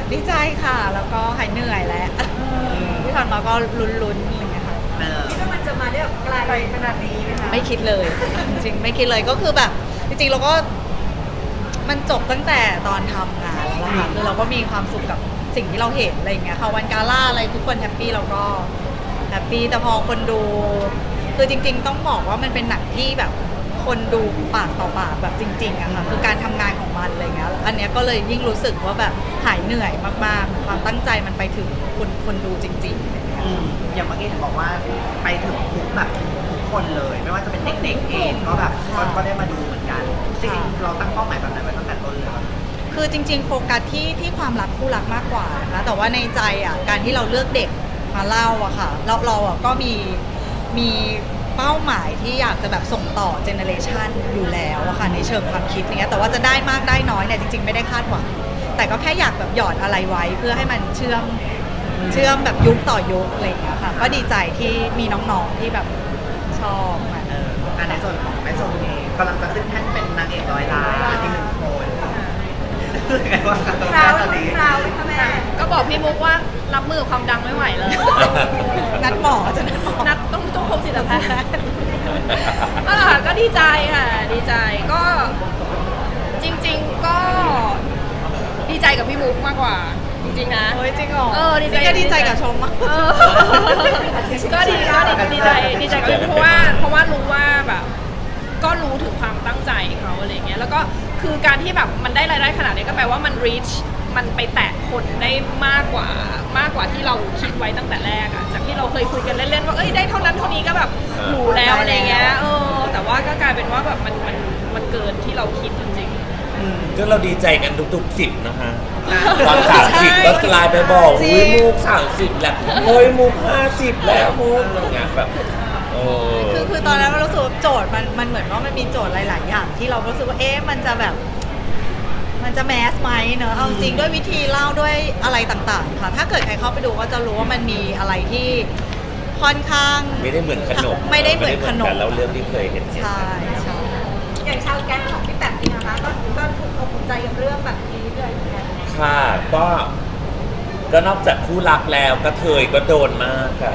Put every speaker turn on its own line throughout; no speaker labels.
ดีใจค่ะแล้วก็หายเหนื่อยแล้วที่ผ่านมาก็ลุ้นๆอะไรเงี้ยค่ะ
คิดว่ามันจะมาได้แบบไกลขนาดนี้ไหมคะ
ไม่คิดเลยจริงๆไม่คิดเลยก็คือแบบจริงๆเราก็มันจบตั้งแต่ตอนทำงานแล้วล่ะค่ะคือเราก็มีความสุขกับสิ่งที่เราเห็นอะไรเงี้ยค่ะวันกาล่าอะไรทุกคนแฮปปี้เราก็แฮปปี้แต่พอคนดูคือจริงๆต้องบอกว่ามันเป็นหนังที่แบบคนดูปากต่อปากแบบจริงๆอะค่ะคือการทำงานของมันอะไรเงี้ยอันเนี้ยก็เลยยิ่งรู้สึกว่าแบบหายเหนื่อยมากๆความตั้งใจมันไปถึงคนดูจริงๆอะไรเงี้ย
อย่างเมื่อกี้เห็นบอกว่าไปถึงทุกแบบทุกคนเลย ไม่ว่าจะเป็นเด็กๆเองก็แบบก็ได้มาดูเหมือนกันจริงๆเราตั้งเป้าหมายแบบไหนไว้ตั้งแต่ต้นเลยครับ
คือจริงๆโฟกัสที่ความรักคู่รักมากกว่านะคะแต่ว่าในใจอ่ะการที่เราเลือกเด็กมาเล่าอะค่ะเราอะก็มีเป้าหมายที่อยากจะแบบส่งต่อเจเนอเรชันอยู่แล้วอะค่ะในเชิงความคิดเนี้ยแต่ว่าจะได้มากได้น้อยเนี่ยจริงๆไม่ได้คาดหวังแต่ก็แค่อยากแบบหยอดอะไรไว้เพื่อให้มันเชื่อมแบบยุคต่อยุคอะไรอย่างเงี้ยค่ะก็ดีใจที่มีน้องๆที่แบบชอบมัน
ในส่วนของแม่ชมเองกำลังจะขึ้นแท่นเป็นนางเอกร้อยล้านอีกหนึ่งคนรู้สึกไงว่างครับตอน
คราว
นี้
คราวเลยค่ะแม่
ก็บอกพี่มุกว่ารับมือกับความดังไม่ไหวเลย
นัดหมอจะนัดหมอ
นัดต้องพบจิตแพทย์ก็ดีใจค่ะ ดีใจก็จริงๆก็ดีใจกับพี่มุกมากกว่า จริงๆนะ
เฮ้ยจริงเหรอ
ดีใจ
ก็ดีใจกับชมมาก
ก็ดีใจกับพี่มุกเพราะว่ารู้ว่าแบบก็รู้ถึงความตั้งใจเขาอะไรเงี้ยแล้วก็คือการที่แบบมันได้รายได้ขนาดนี้ก็แปลว่ามัน reach มันไปแตะคนได้มากกว่าที่เราคิดไว้ตั้งแต่แรกอะจากที่เราเคยคุยกันเล่นๆว่าเอ้ยได้เท่านั้นเท่านี้ก็แบบหรูแล้วอะไรเงี้ยแต่ว่าก็กลายเป็นว่าแบบมันเกินที่เราคิดจริงๆ
ก็เราดีใจกันทุกๆ10นะคะตอน30ก็ไลน์ไปบอก
จริง
อุ้ยมุก30แล้วโอ้ยมุก50แล้วมุกอะไรเงี้ยแบบ
คือตอนนั้นเรารู้สึกว่าโจทย์มันเหมือนว่ามันมีโจทย์หลาย ๆ อย่างที่เรารู้สึกว่ามันจะแบบมันจะแมสไหมเนอะเอาจริงด้วยวิธีเล่าด้วยอะไรต่าง ๆ ค่ะ ถ้าเกิดใครเข้าไปดูก็จะรู้ว่ามันมีอะไรที่ค่อนข้าง
ไม่ได้เหมือนขนม
ไม่ได้เหมือนขนม
กันแล้วเรื่องที่เคยเห็น
ใช่ใช่
อย่างชาวแก๊งของพี่แป๋มนี่นะคะก็ถูกอกถูกใจกับเรื่องแบบนี้เลยเหมือนกัน
ค่ะก็นอกจากคู่รักแล้วก็เทยก็โดนมากค่ะ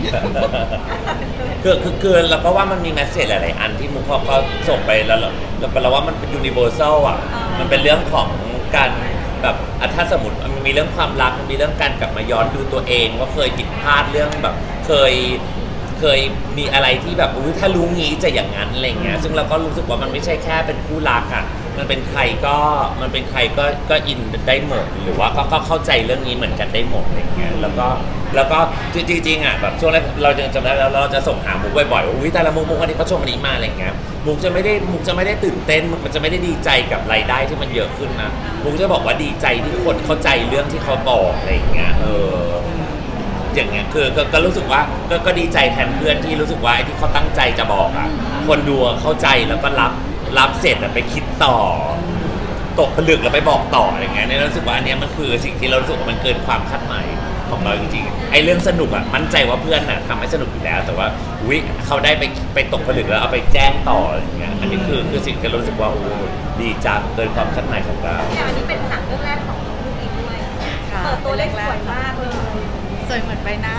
คือเกินแล้วก็ว่ามันมีแมสเซจหลายๆอันที่มุกเขาก็ส่งไปแล้วเราว่ามันเป็นยูนิเวอร์แซลอ่ะมันเป็นเรื่องของการแบบถ้าสมมติมันมีเรื่องความรักมันมีเรื่องการกลับมาย้อนดูตัวเองว่าเคยผิดพลาดเรื่องแบบเคยมีอะไรที่แบบถ้ารู้งี้จะอย่างนั้นอะไรเงี้ยซึ่งเราก็รู้สึกว่ามันไม่ใช่แค่เป็นคู่รักอ่ะมันเป็นใครก็อินได้หมดหรือว่าก็เข้าใจเรื่องนี้เหมือนกันได้หมดอะไรเงี้ยแล้วก็จริงๆอ่ะแบบช่วงแรกเราจำได้แล้วเราจะส่งหามุกบ่อยๆว่าอุ้ยแต่ละมุกอันนี้เขาชมอันนี้มาอะไรเงี้ยมุกจะไม่ได้ตื่นเต้นมันจะไม่ได้ดีใจกับรายได้ที่มันเยอะขึ้นนะมุกจะบอกว่าดีใจที่คนเข้าใจเรื่องที่เขาบอกอะไรเงี้ยอย่างเงี้ยคือก็รู้สึกว่าก็ดีใจแทนเพื่อนที่รู้สึกว่าไอ้ที่เขาตั้งใจจะบอกอ่ะคนดูเข้าใจแล้วก็รับเสร็จไปคิดต่อตกผลึกแล้วไปบอกต่ออะไรเงี้ยเนี่ยรู้สึกว่าอันเนี้ยมันคือสิ่งที่เรารู้สึกว่ามันเกินความคาดหมายของเราจริงๆไอ้เรื่องสนุกอ่ะมั่นใจว่าเพื่อนน่ะทำให้สนุกอยู่แล้วแต่ว่าเขาได้ไปตกผลึกแล้วเอาไปแจ้งต่ออะไรเงี้ยอันนี้คือสิ่งที่เรารู้สึกว่าโอ้ดีจังเกินความคาดหมายของเรา
เนี่ยอันนี้เป็นหนังเรื่องแรกของลูกอีกด้วย
ค่ะ
เปิดตัวเล็กสวยมากเลย
สวยเหมือนใบหน้า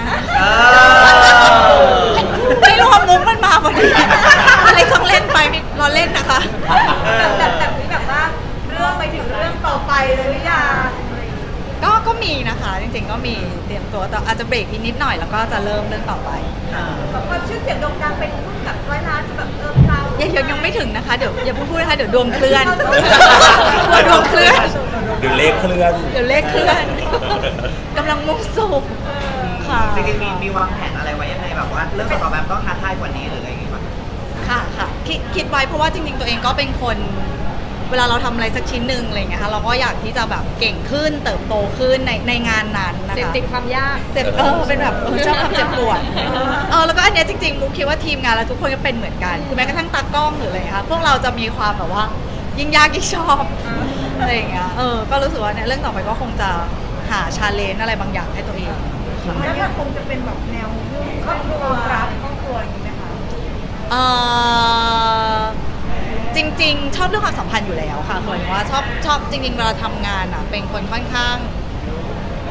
อ
ไม่รู้ว่ามุกมันมาพอดีอะไรต้องเล่นไปเราเล่นนะคะ
แบบนี้แบบว่าเรื่องไปถึงเรื่องต่อไปเลยหรือยัง
ก็มีนะคะจริงๆก็มีเตรียมตัวแต่อาจจะเบรกอีกนิดหน่อยแล้วก็จะเริ่มเรื่องต่อไป
แบบความชื่อเสียงโด่งดังเป็นรุ่นกับร้อยล้านจะแบบเรา
ยังไม่ถึงนะคะเดี๋ยวอย่าพูดนะคะเดี๋ยวดวงเคลื่อนดวงเคลื่อน
เดี๋ยวเลขเคลื่อน
เดี๋ยวเลขเคลื่อนกำลังมุ่งสู่ค่ะ
จริงๆมีวางแผนอะไรไว้ยังไงแบบว่าเรื่องต่อแบบต้องท้าทายกว่านี้หรืออะไรอย่างงี้ป่ะ
ค่ะคิดไว้เพราะว่าจริงๆตัวเองก็เป็นคนเวลาเราทำอะไรสักชิ้นหนึ่งอะไรเงี้ยค่ะเราก็อยากที่จะแบบเก่งขึ้นเติบโตขึ้นในงานนั้นนะคะ
เสพติดความยาก
เป็นแบบชอบความเจ็บปวดแล้วก็อันเนี้ยจริงๆมุกคิดว่าทีมงานแล้วทุกคนก็เป็นเหมือนกันคือแม้กระทั่งตากล้องหรืออะไรค่ะพวกเราจะมีความแบบว่ายิ่งยากยิ่งชอบอะไรอย่างเงี้ยก็รู้สึกว่าเนี่ยเรื่องต่อไปก็คงจะหาชาเลนจ์อะไรบางอย่างให้ตัวเอง
แล้วมันคงจะเป็นแบบแนวครอบครัวรักครอบครัวอย่างนี้ไหมคะ
จริงๆชอบเรื่องความสัมพันธ์อยู่แล้วค่ะเหมือนว่าชอบจริงๆเวลาทำงานอ่ะเป็นคนค่อนข้าง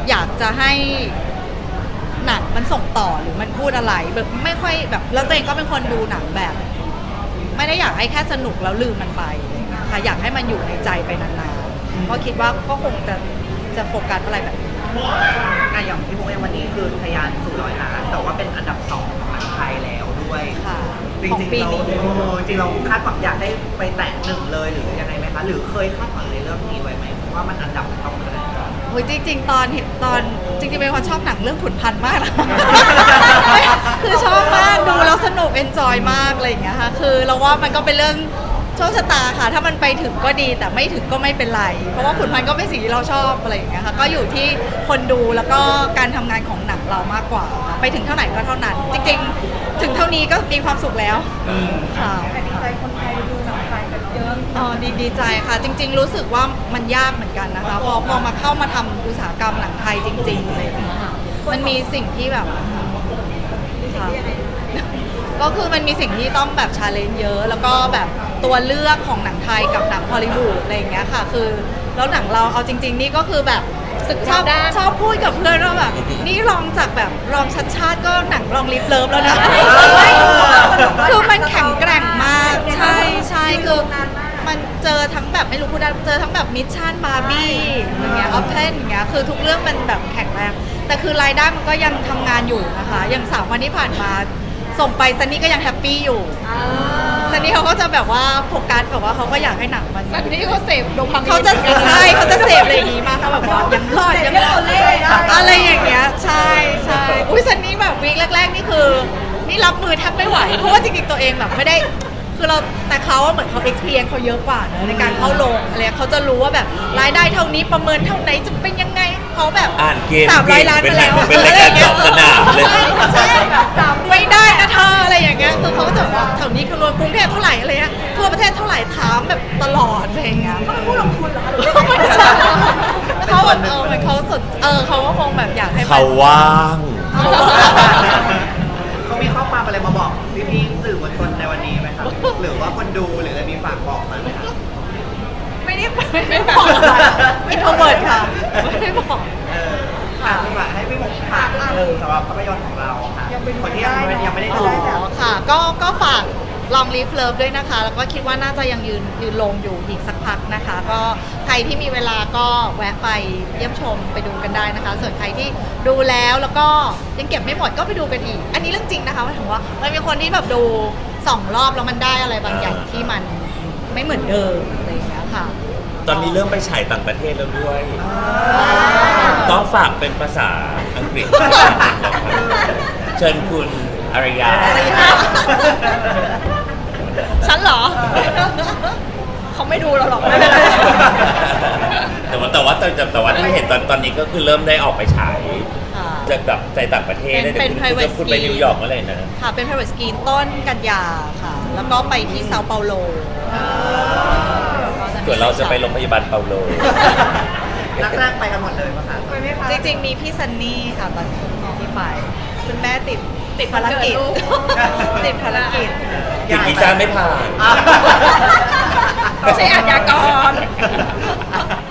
อยากจะให้หนังมันส่งต่อหรือมันพูดอะไรแบบไม่ค่อยแบบแล้วตัวเองก็เป็นคนดูหนังแบบ ไม่ได้อยากให้แค่สนุกแล้วลืมมันไปอะไรอย่างเงี้ยค่ะอยากให้มันอยู่ในใจไปนานๆเพราะคิดว่าก็คงจะโฟกัสอะไรแบบนี้
อย่างพี่มุกเองวันนี้คือทะยานสู่100 ล้านแต่ว่าเป็นอันดับ 2ของหนังไทยแล้วด้วย
ค่ะ
จริ
ของ
งๆ
ปี
เรา
นี้
จริงเราคาดหวังอยากได้ไปแตะ1เลยหรือยังไงไหมคะหรือเคยคาดหวังในเรื่องนี้ไว้ไหมว่ามันอันดับต้องขนาดไหน
โอ้ยจริงๆ ตอนจริงๆเป็นคนชอบหนังเรื่องขุนพันธ์มากนะ คือชอบมากดูแล้วสนุกเอนจอยมากอะไรอย่างเงี้ยค่ะคือเราว่ามันก็เป็นเรื่องโชคชะตาค่ะ ถ้ามันไปถึงก็ดีแต่ไม่ถึงก็ไม่เป็นไร เพราะว่าขุนพันธ์ก็เป็นสิ่งที่เราชอบอะไรอย่างเงี้ยค่ะก็อยู่ที่คนดูแล้วก็การทำงานของหนังเรามากกว่าค่ะไปถึงเท่าไหร่ก็เท่านั้น จริงๆ ถึงเท่านี้ก็มีความสุขแล้วค่ะ
แต่ดีใจคนไทยดูหนังไทยกันเยอะ
อ๋อดีใจค่ะ จริง ๆ รู้สึกว่ามันยากเหมือนกันนะคะพอมาเข้ามาทำอุตสาหกรรมหนังไทยจริงๆอะไรอย่างเลยค่ะมันมีสิ่งที่แบบค่ะก็คือมันมีสิ่งที่ต้องแบบชาเลนจ์เยอะ แล้วก็แบบตัวเลือกของหนังไทยกับหนังฮอลลีวูดอะไรอย่างเงี้ยค่ะ คือแล้วหนังเราเอาจริง ๆ นี่ก็คือแบบชอบพูดกับเพื่อนว่าแบบนี่ลองจากแบบลองชัดชาติก็หนังลองลิฟเลิฟแล้วนะ คือมันแข็งแกร่งมากใช่คือมันเจอทั้งแบบไม่รู้พูดได้เจอทั้งแบบมิชชั่นบาร์บี้อย่างเงี้ยออฟเทนอย่างเงี้ยคือทุกเรื่องมันแบบแข็งแรงแต่คือรายได้มันก็ยังทำงานอยู่นะคะอย่าง3 วันที่ผ่านมาส่งไปซันนี่ก็ยังแฮปปี้อยู่ซันนี่เขาก็จะแบบว่าโฟกัสแบบว่าเขาก็อยากให้หนังมัน
สันนี่เขาเสพโดพามีน
เขาจะใช่เขาจะเสพอะไรอย่างงี้มากค่ะแบบว่ายังรอดยังรอดอะไรอย่างเงี้ยใช่อุ้ยซันนี่แบบวีคแรกๆนี่คือนี่รับมือแทบไม่ไหวเพราะว่าจริงๆตัวเองแบบไม่ได้คือเราแต่เขาเหมือนเขา experience เขาเยอะกว่าเนอะในการเข้าลงอะไรเขาจะรู้ว่าแบบรายได้เท่านี้ประเมินเท่าไหนจะเป็นยังไงเขาแบบ
อ่านเกม
300 ล้านไปแล้ว
เป็นรายการตอบสนามเลย
ใช่ไม่ได้นะเธออะไรอย่างเงี้ยคือเขาก็จะบอกว่าแถวนี้คำนวณกรุงเทพเท่าไหร่อะไรเงี้ยทั่วประเทศเท่าไหร่ถามแบบตลอดอะไรอย่างเงี้ย
เขาเป็นผู้ลงทุนเหรอคะ
เขาแบบเหมือนเขาสดเขาก็คงแบบอยากให้มัน
เขาว่าง
เขามีข้อความอะไรมาบอกพี่ๆสื่อมวลชนในวันนี้ไหมครับ หรือว่าคนดูหรืออะไรมีฝากบอกมาไหมครับ
ไม่บอกอินโทรเวิร์ดค่ะไม่ได้บอก
พี่ฝากให้พี่มุกฝากสำหรับภาพยนตร์ของเราค่ะคนที่ยังไม่ได้ดู
ค่ะก็ฝากลองลีฟเลิฟด้วยนะคะ แล้วก็คิดว่าน่าจะยังยืนลงอยู่อีกสักพักนะคะ ก็ใครที่มีเวลาก็แวะไปเยี่ยมชมไปดูกันได้นะคะ ส่วนใครที่ดูแล้วก็ยังเก็บไม่หมดก็ไปดูกันอีก อันนี้เรื่องจริงนะคะหมายถึงว่ามันมีคนที่แบบดู2 รอบแล้วมันได้อะไรบางอย่างที่มันไม่เหมือนเดิมอะไรอย่างเงี้ยค่ะ
ตอนนี้เริ่มไปฉายต่างประเทศแล้วด้วย ต้องฝากเป็นภาษาอังกฤษ เชิญคุณอารยา
ฉันเหรอ เขาไม่ดูเราหรอกไม่เป็นไร
แต่ว่าที่เห็นตอนนี้ก็คือเริ่มได้ออกไปฉาย
ค่ะ
จะแบบในต่างประเทศ
เป็น
เดี๋ยว
private
คุณไป
screen
นิวยอร์กเมื่อไหร่นะ
ค่ะเป็น private screen ต้นกันยาค่ะ แล้วก็ไปที่เซาเปาโล
ส่วนเราจะไปโรงพยาบาลเปาโล
นักแรกไปกันหมดเลยป่ะคะ
ไปไหมคะ
จริงๆ มีพี่ซันนี่ค่ะตอนที่ไปคุณแม่ติดภารกิจ ติดภารกิจ
ติดวีซ่าไม่ผ่าน
ไม่ใช่อาชญากร